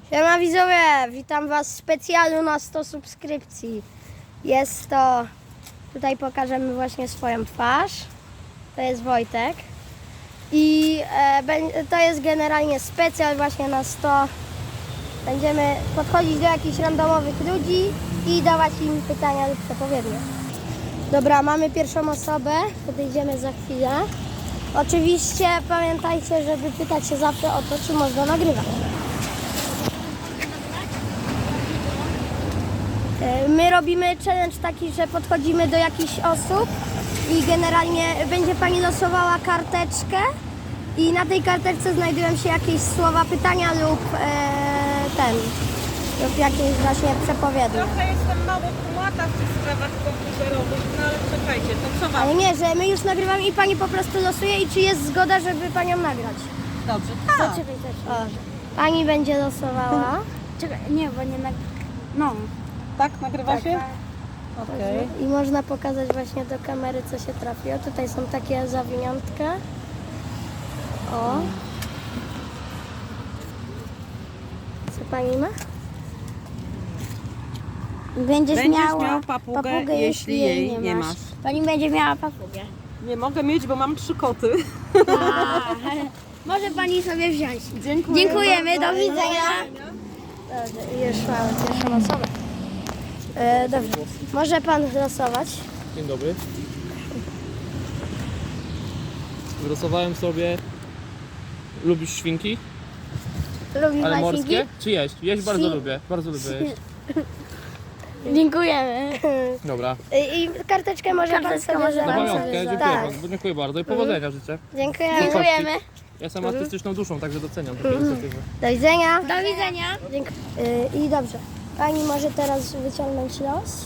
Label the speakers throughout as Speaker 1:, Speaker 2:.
Speaker 1: Siema widzowie, witam was w specjalu na 100 subskrypcji. Jest to, tutaj pokażemy właśnie swoją twarz. To jest Wojtek. I to jest generalnie specjal właśnie na 100. Będziemy podchodzić do jakichś randomowych ludzi i dawać im pytania lub przepowiednie. Dobra, mamy pierwszą osobę, podejdziemy za chwilę. Oczywiście pamiętajcie, żeby pytać się zawsze o to, czy można nagrywać. My robimy challenge taki, że podchodzimy do jakichś osób i generalnie będzie pani losowała karteczkę i na tej karteczce znajdują się jakieś słowa pytania lub lub jakieś właśnie przepowiednie.
Speaker 2: Trochę jestem mało kumata w tych sprawach komputerowych, no ale czekajcie, to co mam?
Speaker 1: Ale nie, że my już nagrywamy i pani po prostu losuje i czy jest zgoda, żeby panią nagrać.
Speaker 2: Dobrze, tak.
Speaker 1: O, pani będzie losowała.
Speaker 3: Czekaj, nie, bo nie No.
Speaker 2: Tak, nagrywa się? Okej.
Speaker 1: I można pokazać właśnie do kamery, co się trafi. O, tutaj są takie zawiniątka. O. Co pani ma?
Speaker 3: Będziesz miała
Speaker 2: papugę, jeśli jej nie masz.
Speaker 3: Pani będzie miała papugę.
Speaker 2: Nie mogę mieć, bo mam 3 koty.
Speaker 3: Może pani sobie wziąć.
Speaker 2: Dziękuję.
Speaker 3: Dziękujemy, do widzenia.
Speaker 1: Dobrze, i już mamy pierwszą osobę. Dobrze, może pan losować.
Speaker 4: Dzień dobry. Wylosowałem sobie. Lubisz świnki?
Speaker 1: Lubi
Speaker 4: Ale
Speaker 1: pan
Speaker 4: morskie?
Speaker 1: świnki?
Speaker 4: Czy jeść? Jeść bardzo
Speaker 1: Świn-
Speaker 4: lubię. Bardzo lubię jeść.
Speaker 3: Dziękujemy.
Speaker 4: Dobra.
Speaker 1: I karteczkę może pan
Speaker 3: Karteczkę
Speaker 1: sobie
Speaker 3: może
Speaker 4: Na
Speaker 3: pan
Speaker 1: zabrać.
Speaker 4: pamiątkę, dziękuję
Speaker 1: Tak.
Speaker 4: bardzo. Dziękuję bardzo i powodzenia życzę.
Speaker 1: Dziękujemy.
Speaker 3: Dziękujemy.
Speaker 4: Ja jestem artystyczną duszą, także doceniam takie inicjatywy.
Speaker 1: Do widzenia.
Speaker 3: Do widzenia.
Speaker 1: I dobrze. Pani może teraz wyciągnąć los.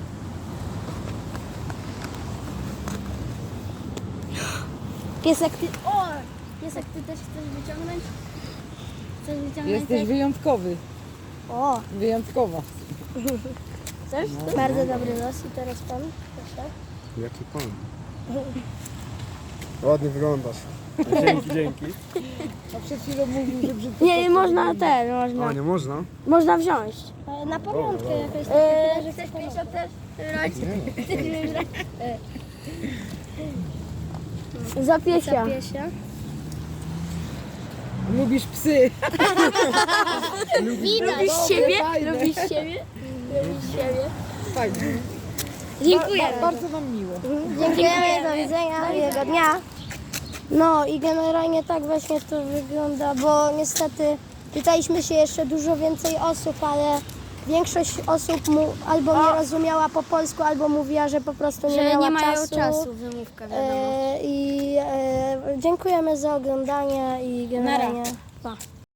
Speaker 1: Piesek, ty... O! Piesek, ty też chcesz wyciągnąć?
Speaker 3: Chcesz wyciągnąć?
Speaker 2: Jesteś wyjątkowy.
Speaker 1: O!
Speaker 2: Wyjątkowa.
Speaker 1: Chcesz? Bardzo dobry los. I teraz pan, proszę.
Speaker 5: Jaki pan? Ładnie wyglądasz. Dzięki.
Speaker 2: A przed chwilą mówił, że brzydko.
Speaker 3: Nie, można
Speaker 5: A, nie można?
Speaker 3: można wziąć.
Speaker 1: Na pamiątkę jakaś taka, że chcesz pięć też?
Speaker 3: Za piesia.
Speaker 1: Zapiesia.
Speaker 2: Lubisz psy.
Speaker 3: Lubisz siebie? Lubisz siebie? Lubisz siebie?
Speaker 2: Tak.
Speaker 3: Dziękuję.
Speaker 2: Bardzo nam miło.
Speaker 1: Dziękujemy, do widzenia, miłego dnia. No i generalnie tak właśnie to wygląda, bo niestety pytaliśmy się jeszcze dużo więcej osób, ale większość osób albo nie rozumiała po polsku, albo mówiła, że po prostu nie
Speaker 3: Że
Speaker 1: miała
Speaker 3: nie mają
Speaker 1: czasu.
Speaker 3: czasu, wymówka wiadomo.
Speaker 1: Dziękujemy za oglądanie i generalnie pa.